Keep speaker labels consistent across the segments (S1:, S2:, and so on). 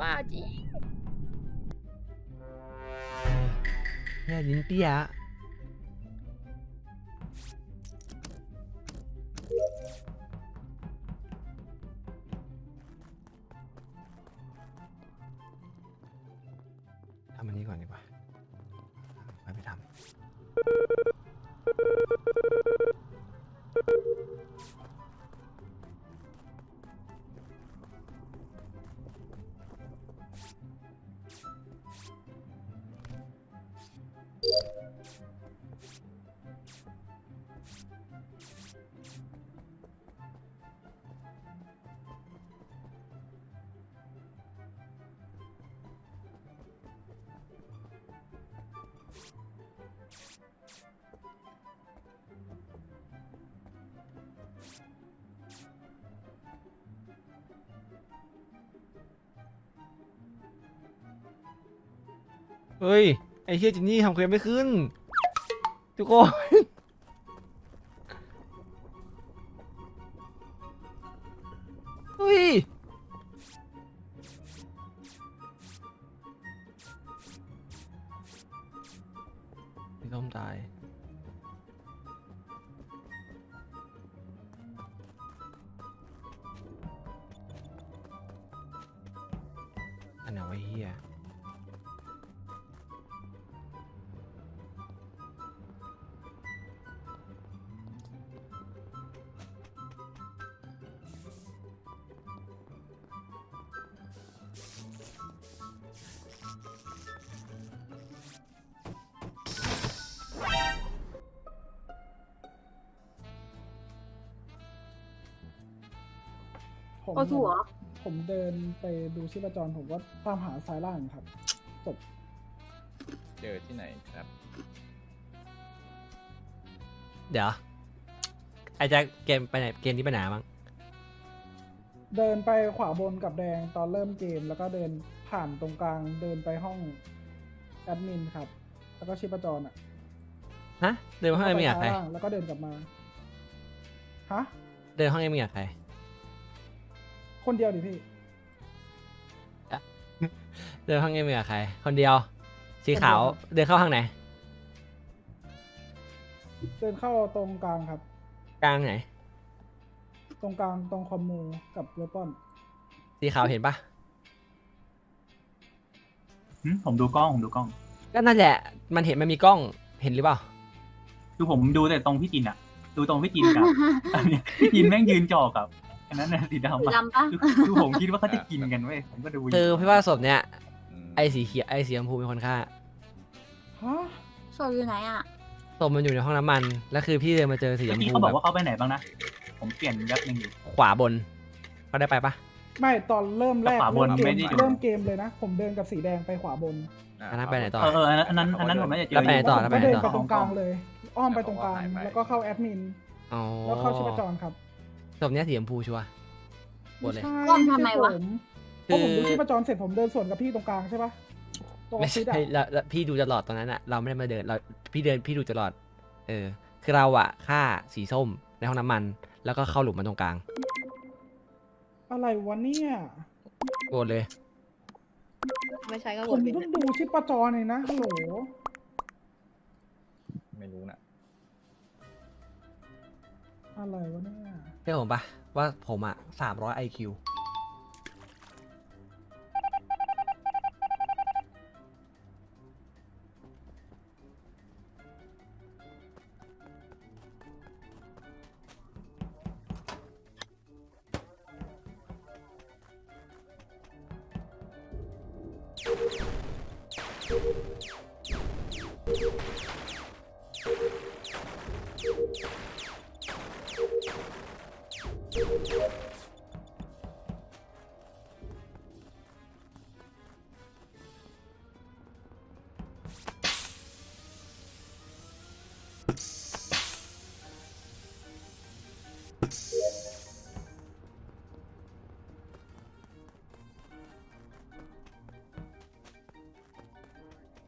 S1: บ้าจริง
S2: เนี่ยลิ้นเปี้ยทำอันนี้ก่อนดีกว่าไปทำ เฮ้ย ไอ้เฮียจินนี่ทำเควสไม่ขึ้น ทุกคนเฮ้ยพี่ต้มตายอันไหนวะเฮีย
S3: ผม
S1: ก็ถูกเหรอ
S3: ผมเดินไปดูชีพจรผมก็ตามหาซ้ายล่างครับจบ
S4: เจอที่ไหนครับ
S2: เดี๋ยว ไอ้แจ็คเกมไปไหน เกมนี้ไปไหนบ้าง
S3: เดินไปขวาบนกับแดงตอนเริ่มเกม แล้วก็เดินผ่านตรงกลางเดินไปห้องแอดมินครับ แล้วก็ชีพจรอ่ะ
S2: ฮะ เดินห้องเอ็มอยากใคร
S3: ซ้ายล่างแล้วก็เดินกลับมาฮะ
S2: เดินห้องเอ็มอยากใคร
S3: คนเดียวดิพี่
S2: เดินห้องเอ็มอยากใคร คนเดียว สีขาว เดินเข้าห้างไหน
S3: เดินเข้าตรงกลางครับ
S2: กลางไหน
S3: ตรงกลางตรงคอมมูกับเวปอน
S2: สีขาวเห็นปะ
S5: ผมดูกล้อง
S2: ก็นั่นแหละ มันเห็นมันมีกล้อง เห็นหรือเปล่า
S5: คือผมดูแต่ตรงพี่จินอะดูตรงพี่จินกับ อันเนี้ยพี่จินแม่งยืนจ่อกับอันนั้นนะสีดำอะ
S1: ดำปะ
S5: คือผมคิดว่าเขาจะกินกันเว้ยผมก็ดูยู่
S2: คือพี่ว่าศพเนี้ย
S4: ม
S2: ไอ้สีเขียวไอ้สีชมพูเป็นคนฆ่า
S3: ฮะ
S1: โซอยู่ไหนอ่ะ
S2: ศพมันอยู่ในห้องน้ำมัน แล้วคือพี่เดินมาเจอสีช
S5: เมื่อ
S2: ม
S5: กี้
S2: พู
S5: เขาบ
S2: แบอก บ
S5: ว่าเขาไปไหนบ้างนะ ผมเปลี่ยนยับหนึ่งอยู่
S2: ขวาบนเขาได้ไปปะ
S3: ไม่ตอนเริ่มแรก
S5: ขวาบน
S3: เริ่ม
S5: ไม่
S3: เก
S5: ได้
S3: ม
S5: ดู
S3: เริ่มเกมเลยนะ ผมเดินกับสีแดงไปขวาบน
S2: อันนั้นไปไหนต่อ
S5: อันนั้นผมน่าจะเจอ
S2: แล้วไปไหนต่อ
S3: ผมก็เดินไปตรงกลางเลย อ้อมไปตรงกลาง แล้วก็เข้าแอดมิน
S2: อ๋อ
S3: แล้วเข้าชีพจรครับ
S2: ศพเนี้ยสีชมพูชัวร์หมดเลย
S3: ใช่
S1: อ้อมทำไมวะ
S3: เพราะผมดูชีพจรเสร็จผมเดินสวนกับพี่ตรงกลางใช่ปะตรงออ
S2: ไม่
S3: ฟฟิศ
S2: ใช่
S3: อะ
S2: แล้วพี่ดูตลอดตอนนั้นอะเราไม่ได้มาเดินเราพี่ดูตลอด คือเราอะฆ่าสีส้มในห้องน้ำมัน แล้วก็เข้าหลุมมันตรงกลาง
S3: อะไรวะเนี่ย
S2: โกรธเลย
S1: ไม่ใช่ก็
S3: ผมเพิ่งดูชีพจรเลยนะฮัลโหล
S4: ไม่รู้นะ
S3: อะไรวะเนี่ย
S2: เชื่อผมปะว่าผมอะ300 IQ
S3: ฮ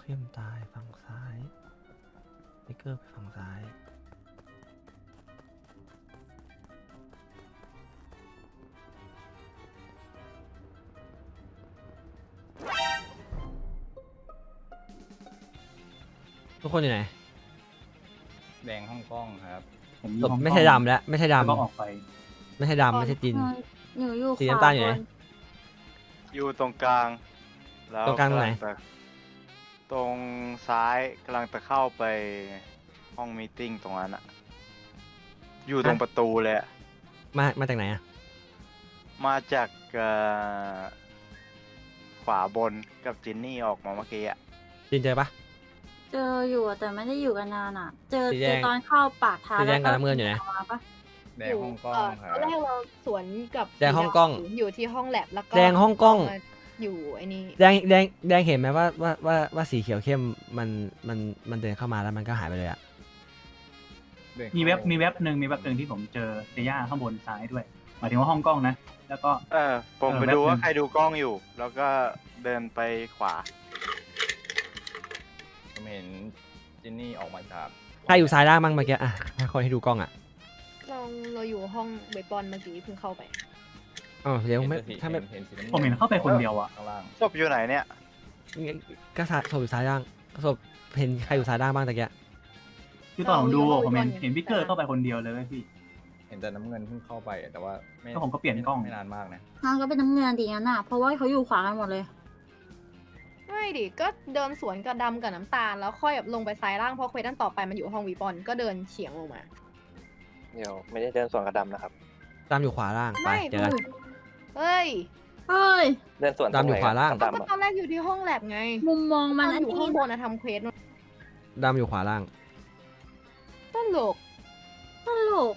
S2: เข้มตายฝั่งซ้ายไทเกอร์ไปฝั่งซ้าย ทุกคนอยู่ไหน
S4: แดงฮ่องกงครับ
S5: ผมอยู่ห้อง
S2: ไม่ใช่ดำแล้วไม่ใช่
S5: แล้วก็
S2: ดำ
S5: ออกไป
S2: ไม่ใช่ดำไม่ใช่จิน
S1: หนูอยู่
S2: สีน้ำตาลอยู่ไหน
S6: อยู่ตรงกลาง แล้ว
S2: ตรงกลางตรงไหน
S6: จะตรงซ้ายกำลังจะเข้าไปห้องมีตติ้งตรงนั้นอะอยู่ตรงประตูเลยอะ
S2: มาจากไหนอะ
S6: มาจากขวาบนกับจินนี่ออกมาเมื่อกี้อะ
S2: จินเจอปะ
S1: เจออยู่อะแต่ไม่ได้อยู่กันนานอ่ะ เจอ
S2: สีแดง
S1: ตอนเข้าปากทาง
S2: สีแดงกับ
S1: แล้ว
S2: น้ำเงินอยู่ไหน
S1: มาปะ
S4: แดงฮ่องกงครั
S7: ต
S4: บ
S7: อนแรกเราสวนกับ
S2: แดงฮ่องกง
S7: อยู่ที่ห้องแลบแล้วก็
S2: แดงฮ่องกง
S7: มาอยู่ไอ้นี่
S2: แดงเห็นไหมว่าสีเขียวเข้มมันเดินเข้ามาแล้วมันก็หายไปเลยอะ
S5: มีเว็บหนึ่งที่ผมเจอเซย่าข้างบนซ้ายด้วยหมายถึงว่าห้องกล้องนะ แล้วก็
S6: ผม
S5: เออ
S6: ไป
S5: แป๊บ
S6: ดูว่า
S5: นึง
S6: ใครดูกล้องอยู่ แล้วก็เดินไปขวา
S4: ผมเห็นจินนี่ออกมาจาก
S2: ใครอยู่ซ้ายล่างบ้างเมื่อกี้อะให้คนให้ดูกล้องอะ
S7: เราอยู่ห้องเบสบอลเมื่อกี้เพิ่งเข้าไป
S2: อ๋อเดี๋ยวไม่
S4: เห็นสี
S2: ถ้าไม่
S4: เห็นสีน้ำงิ
S5: ผมเห็นเข้าไปคนเดียวอะ
S4: ข้างล่าง
S6: ศพอยู่ไหนเนี่ย
S2: ก็ศพอยู่ซ้ายล่างศพเห็นใครอยู่ซ้ายล่างบ้างตะกี้
S5: คือตอนผมดู
S7: เราอยู่
S5: ผมเห็น
S7: ห้อง
S5: เห็นวิกเกอร์เข้าไปคนเดียวเลยเว้ยพี่
S4: เห็นแต่น้ำเงินเพิ่งเข้าไปแต่ว่าไม่
S5: แล้วผมก็เปลี่ยนกล้อง
S4: ไม่นานมากนะ
S1: ทางก็เป็นน้ำเงินดีงั้นอ่ะ เพราะว่าเขาอยู่ขวากันหมดเลย
S7: ไม่ดิ ก็เดินสวนกับดำกับน้ำตาล แล้วค่อยแบบลงไปซ้ายล่างเพราะเควสด้านต่อไปมันอยู่ห้องวีบอลก็เดินเฉียงลงมา
S6: เดี๋ยวไม่ได้เดินสวนกับดำนะครับ
S2: ตามอยู่ขวาล่างไป
S7: ไม่
S2: เจอกัน
S7: เฮ้ย
S1: เฮ้ย
S6: เดินสวน
S2: ดำอยู่ขวาล่าง
S7: ก็ตอนแรกอยู่ที่ห้องแลบไง
S1: มุมมองมัน
S7: ต
S1: อั
S7: อน
S1: น
S7: อยู่
S1: นี้
S7: ข้างบนอะทำเควส
S2: ดำอยู่ขวาล่าง
S7: ตลก
S1: ตลก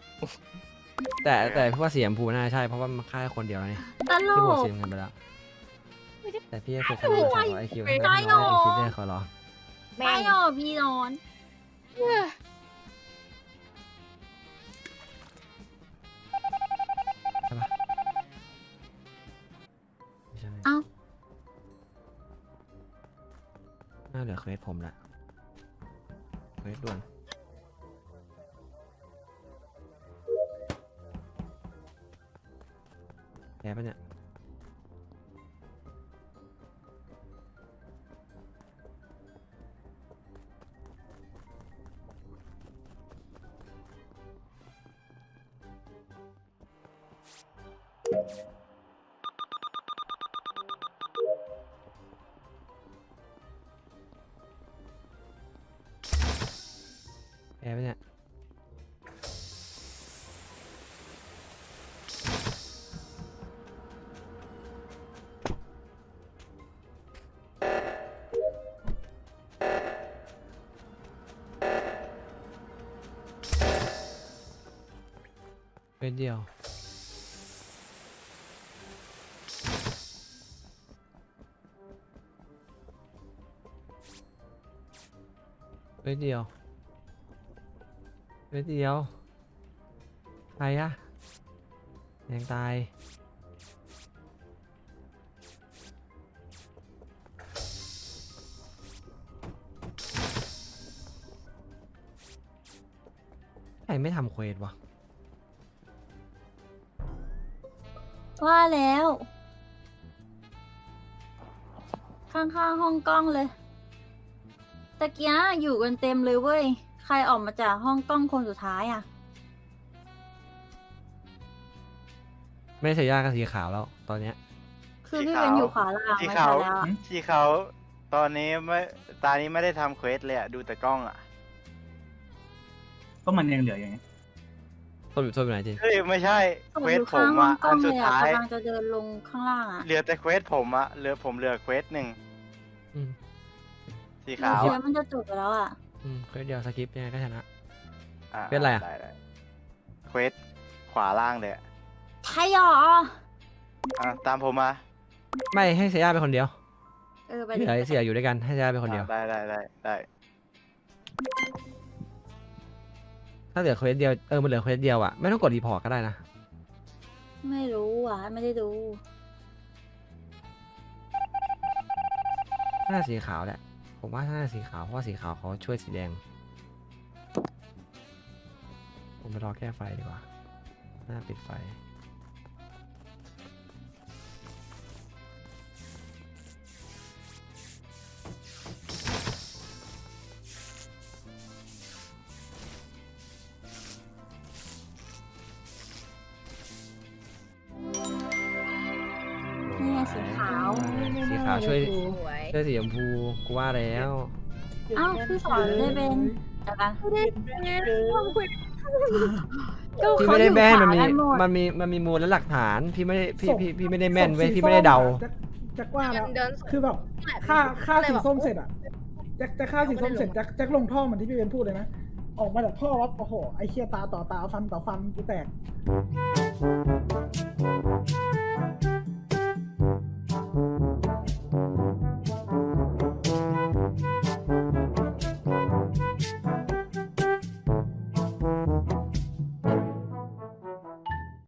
S2: แต่พี่ว่าเสียมพูน่าใช่เพราะว่ามันฆ่าแค่คนเดียวแล้วนี่
S1: ตล
S2: พี่บวก
S1: ก
S2: เสียเงินไปแล้วแต่พี่จะเคยทำ
S1: โอ้
S2: งาน
S1: ย
S2: 200 IQ
S1: ไม่
S2: ให้
S1: ได้
S2: น้อย
S1: หรอ
S2: คิดได้ขอร้อง
S7: แม่
S1: ไม่
S7: ง
S1: หรอพี่นอน
S2: ไม่ใช่
S1: เอ้า
S2: น่าเหลือเควสผมละเควสด่วนแย่ปะเนี่ยแย่ปะเนี่ยเป็นเดียวเป็นเดียวเป็นเดียวใครอะยังตายใครไม่ทำเควสวะ
S1: ว่าแล้ว ข้างๆห้องกล้องเลยตะเกียอยู่กันเต็มเลยเว้ย ใครออกมาจากห้องกล้องคนสุดท้ายอ่ะ
S2: ไม่ใช่ยากับสีขาวแล้วตอนเนี้ย
S1: คือ
S6: สี
S1: พี่
S6: ขาว
S1: เป็นอยู่ขวาล่าง
S6: ที่
S1: ไม่
S6: เขา
S1: ใช่แล้วอะ
S6: ที่เขาตอนนี้ไม่ตานี้ไม่ได้ทำเควสเลยอะดูแต่กล้องอะ
S5: ก็มันยังเหลืออย่างเงี้ย
S2: ต้นอยู่ไหนจิน
S6: เฮ้ยไม่ใช่
S1: ผม
S6: เคว
S1: อ
S6: ส
S1: ยู่
S6: ผ
S1: ข้าง
S6: ม
S1: ห้อ
S6: อะ
S1: งกล้
S6: อั
S1: อน ง
S6: สุ
S1: เล
S6: ด
S1: ยอ่ะ
S6: ท้าย
S1: กำลังจะเดินลงข้างล่างอ่ะ
S6: เหลือแต่เควสผมอะผมเหลือเควสหนึ่ง
S2: อืม
S6: สีขาว
S1: เคว
S6: อะ
S1: สมันจะจบไปแล้วอ่ะ
S2: เควสเดียวสกิปยังไงก็ชนะ
S6: ะ
S2: เควสอะไรอะ
S6: ด้เควสขวาล่างเลยอะ
S1: ใช่หรอ
S6: ตามผมมา
S2: ไม่ให้เซียาเป็นคนเดียว
S1: ไป
S2: ที่
S1: ดิ
S2: เหลือเสียอยู่ด้วยกันให้เซียาเป็นคนเดียว
S6: ได้
S2: ถ้าเหลือเควสเดียวมันเหลือเควสเดียวอะไม่ต้องกดรีพอร์ตก็ได้นะ
S1: ไม่รู้อ่ะ ไม่ได้ดู
S2: น่าสีขาวแหละผมว่าน่าจะสีขาวเพราะว่าสีขาวเขาช่วยสีแดง ผมไปรอแก้ไฟดีกว่าหน้าปิดไฟ
S1: นี่ไงสีขาว
S2: สีขาวช่วย
S7: สวย
S2: ช่วยสีชมพูกูว่าแล้ว
S1: เอ้าพี่สอนเลยเป็นแต่ละ
S2: พี่ไม่ได้แม่นมันมีมูลและหลักฐานพี่ไม่ได้พี่ไม่ได้แม่นเว้ยพี่ไม่ได้เดา
S3: แจ็คว่าแล้ว
S7: เดินสวน
S3: คือแบบฆ่าสีส้มเสร็จอะแจ็คฆ่าสีส้มเสร็จแจ็คลงท่อเหมือนที่พี่เบนพูดเลยนะ ออกมาจากท่อวับโอ้โหไอ้เคียตาต่อตาฟันต่อฟันกูแตก